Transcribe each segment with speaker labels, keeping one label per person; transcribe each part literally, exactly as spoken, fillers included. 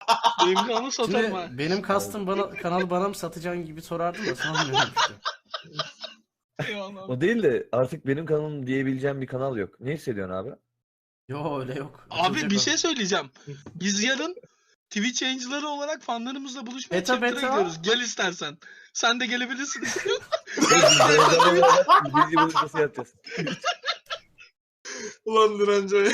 Speaker 1: Benim kanalı satarım ha.
Speaker 2: Şimdi benim kastım bana kanalı bana mı satacaksın gibi sorardım da sanmıyorum işte.
Speaker 1: Eyvallah.
Speaker 3: O değil de artık benim kanalım diyebileceğim bir kanal yok. Ne hissediyorsun abi?
Speaker 2: Yo öyle yok.
Speaker 1: Abi
Speaker 2: Açılacak
Speaker 1: bir
Speaker 2: o.
Speaker 1: şey söyleyeceğim. Biz yarın Twitch yayıncıları olarak fanlarımızla buluşmaya
Speaker 2: Beta,
Speaker 1: chapter'a
Speaker 2: beta.
Speaker 1: gidiyoruz. Gel istersen. Sen de gelebilirsin.
Speaker 3: Bilgi buluşması yapacağız.
Speaker 4: Ulan direnci.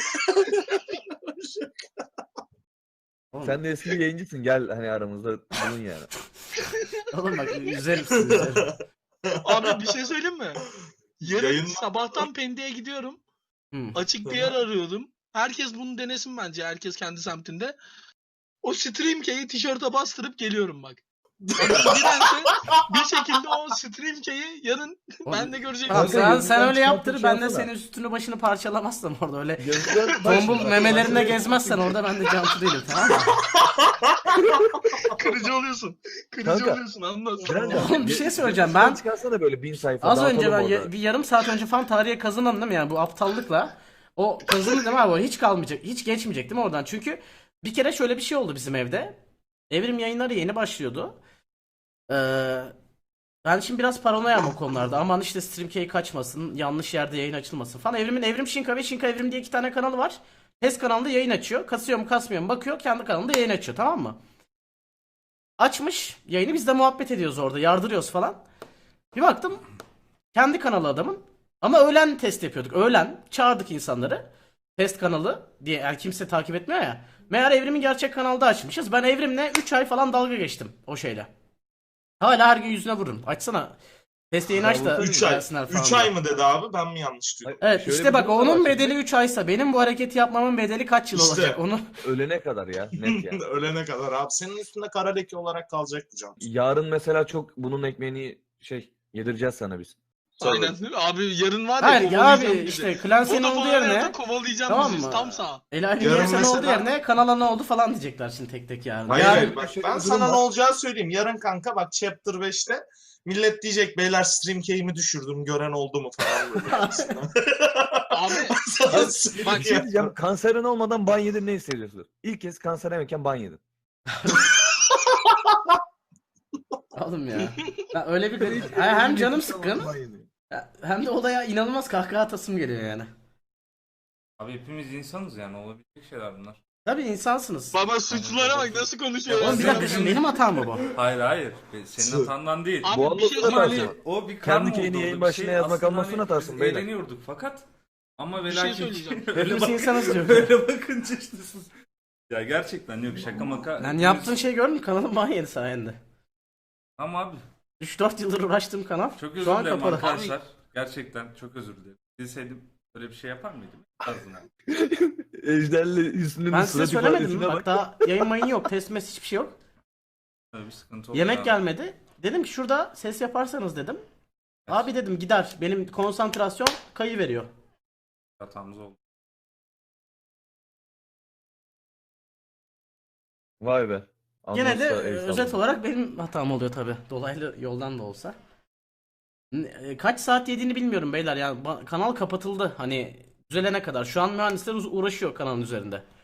Speaker 2: Oğlum,
Speaker 3: Sen de eski bir yayıncısın. Gel hani aramızda bulun yani.
Speaker 2: oğlum bak üzerim sizi üzerim.
Speaker 1: Abi bir şey söyleyeyim mi? Yarın
Speaker 4: Yayın-
Speaker 1: sabahtan Pendik'e gidiyorum.
Speaker 2: Hı.
Speaker 1: Açık bir yer arıyordum. Herkes bunu denesin bence. Herkes kendi semtinde. O Stream Key'i tişörte bastırıp geliyorum bak. Adam dirense bir şekilde o Stream Key'i yarın ben de göreceğim.
Speaker 2: Tamam,
Speaker 3: Kanka,
Speaker 2: sen, sen
Speaker 3: gözünden
Speaker 2: öyle yaptır,
Speaker 3: çıkartıp
Speaker 2: ben
Speaker 3: şey
Speaker 2: de
Speaker 3: yapsana.
Speaker 2: senin üstünü başını parçalamazsam orada öyle.
Speaker 3: Gözden
Speaker 2: Tombul memelerine gezmezsen orada ben de cansı değilim, tamam mı?
Speaker 1: Kırıcı oluyorsun. Kırıcı
Speaker 3: Kanka,
Speaker 1: oluyorsun anlat.
Speaker 2: Oğlum bir şey söyleyeceğim, ben
Speaker 3: çıkarsana böyle bin sayfa.
Speaker 2: az önce ben
Speaker 3: dağıtalım
Speaker 2: ya-
Speaker 3: orada.
Speaker 2: bir yarım saat önce falan tarihe kazandım değil mi yani bu aptallıkla. O kazandı değil mi abi, hiç kalmayacak, hiç geçmeyecek değil mi oradan? Çünkü bir kere şöyle bir şey oldu bizim evde. Evrim yayınları yeni başlıyordu. Ee, ben şimdi biraz paranoyam o konularda. Aman işte StreamKey kaçmasın, yanlış yerde yayın açılmasın falan. Evrim'in Evrim Şinka ve Şinka Evrim diye iki tane kanalı var. Test kanalında yayın açıyor. Kasıyor mu kasmıyor mu bakıyor. Kendi kanalında yayın açıyor, tamam mı? Açmış yayını, biz de muhabbet ediyoruz orada. Yardırıyoruz falan. Bir baktım kendi kanalı adamın. Ama öğlen test yapıyorduk. Öğlen çağırdık insanları. Test kanalı diye, yani kimse takip etmiyor ya. Meğer Evrim'in gerçek kanalda açmışız. Ben Evrim'le üç ay falan dalga geçtim o şeyle. Hala her gün yüzüne vururum. Açsana. Test yayını aç da
Speaker 4: üç ay.
Speaker 2: gelsinler falan
Speaker 4: üç
Speaker 2: diye.
Speaker 4: ay mı dedi abi? Ben mi yanlış duydum?
Speaker 2: Evet
Speaker 3: Şöyle
Speaker 2: işte
Speaker 3: bir
Speaker 2: bak
Speaker 3: durum da var
Speaker 2: onun
Speaker 3: şimdi.
Speaker 2: bedeli üç aysa benim bu hareketi yapmamın bedeli kaç yıl
Speaker 4: İşte.
Speaker 2: olacak onu.
Speaker 3: Ölene kadar ya. Net yani.
Speaker 4: Ölene kadar abi. Senin üstünde kara leke olarak kalacaktı can.
Speaker 3: Yarın mesela çok bunun ekmeğini şey yedireceğiz sana biz.
Speaker 1: Aynen. Abi yarın var ya
Speaker 2: Hayır ya
Speaker 1: kovalayacağım
Speaker 2: abi
Speaker 1: bizi.
Speaker 2: işte Clancy'nin
Speaker 1: O da
Speaker 2: olduğu
Speaker 1: bu arada
Speaker 2: yerine
Speaker 1: kovalayacağım
Speaker 2: tamam
Speaker 1: bizi
Speaker 2: mı?
Speaker 1: tam sağ.
Speaker 2: Elahinin
Speaker 4: Yarın
Speaker 2: yersen
Speaker 4: mesela-
Speaker 2: olduğu yerine kanala ne oldu falan diyecekler şimdi tek tek yarın.
Speaker 4: Hayır
Speaker 2: Yarın-
Speaker 4: hayır bak
Speaker 3: şöyle
Speaker 4: ben
Speaker 3: bir durum
Speaker 4: sana ne
Speaker 3: var.
Speaker 4: olacağı söyleyeyim. Yarın kanka bak chapter beşte millet diyecek beyler stream key'imi düşürdüm gören oldu mu falan böyle.
Speaker 1: Abi
Speaker 4: Sana
Speaker 1: bak,
Speaker 4: söyleyeyim
Speaker 3: Bir şey
Speaker 4: ya.
Speaker 3: diyeceğim. Kanserin olmadan ban yedin, ne hissediyorsun? İlk kez kanser yemeken ban yedin.
Speaker 2: Oğlum ya. Ya öyle bir Ha, hem canım sıkkın ya, hem de olaya inanılmaz kahkaha atasım geliyor yani.
Speaker 5: Abi hepimiz insanız yani, olabilecek şeyler bunlar.
Speaker 2: Tabii insansınız.
Speaker 1: baba suçlulara bak nasıl konuşuyor.
Speaker 2: Oğlum bir dakika şimdi benim hatam mı bu?
Speaker 5: Hayır hayır, Be- senin hatandan değil.
Speaker 1: Abi
Speaker 3: Bu
Speaker 1: bir şey
Speaker 3: anlamda
Speaker 5: Ama
Speaker 1: söyleyeceğim.
Speaker 5: hani o bir
Speaker 3: Kendi
Speaker 5: karma
Speaker 3: keyini
Speaker 5: oldu
Speaker 3: yayın
Speaker 5: orada, bir
Speaker 3: başına
Speaker 5: şey.
Speaker 3: yazmak
Speaker 5: Aslında
Speaker 3: almasını
Speaker 5: hani
Speaker 3: atarsın
Speaker 5: biz
Speaker 3: beyler.
Speaker 5: eğleniyorduk fakat ama ve
Speaker 1: Bir şey
Speaker 5: lakin
Speaker 1: söyleyeceğim.
Speaker 5: öyle,
Speaker 2: Hepimiz
Speaker 5: bak,
Speaker 2: insanız diyor.
Speaker 5: öyle bakınca işte siz. Ya gerçekten yok, şaka maka.
Speaker 2: Lan
Speaker 5: hepimiz-
Speaker 2: yaptığın şey gördün mü? Kanalım ban yedi sayende.
Speaker 5: Ama abi
Speaker 2: üç dört yıldır uğraştığım kanal
Speaker 5: çok
Speaker 2: şu
Speaker 5: özür
Speaker 2: an
Speaker 5: dilerim
Speaker 2: kapalı.
Speaker 5: arkadaşlar. Gerçekten çok özür dilerim. Bilseydim böyle bir şey yapar mıydım? Tarzına.
Speaker 3: Ejderle üstünün
Speaker 2: Ben size
Speaker 3: surat
Speaker 2: söylemedim mi?
Speaker 3: ifadesine
Speaker 2: Bak
Speaker 3: bak.
Speaker 2: daha yayın mayın yok. Test mes hiçbir şey yok.
Speaker 5: Böyle bir sıkıntı oldu.
Speaker 2: Yemek
Speaker 5: abi.
Speaker 2: gelmedi. Dedim ki şurada ses yaparsanız dedim. Abi dedim gider. Benim konsantrasyon kayı veriyor.
Speaker 5: Hatamız oldu.
Speaker 3: Vay be.
Speaker 2: Gene de
Speaker 3: Anlatsa
Speaker 2: e,
Speaker 3: el
Speaker 2: özet
Speaker 3: sallama.
Speaker 2: olarak benim hatam oluyor tabi. Dolaylı yoldan da olsa. N- e, Kaç saat yediğini bilmiyorum beyler. Yani ba- kanal kapatıldı. Hani düzelene kadar. Şu an mühendisler uz- uğraşıyor kanalın üzerinde.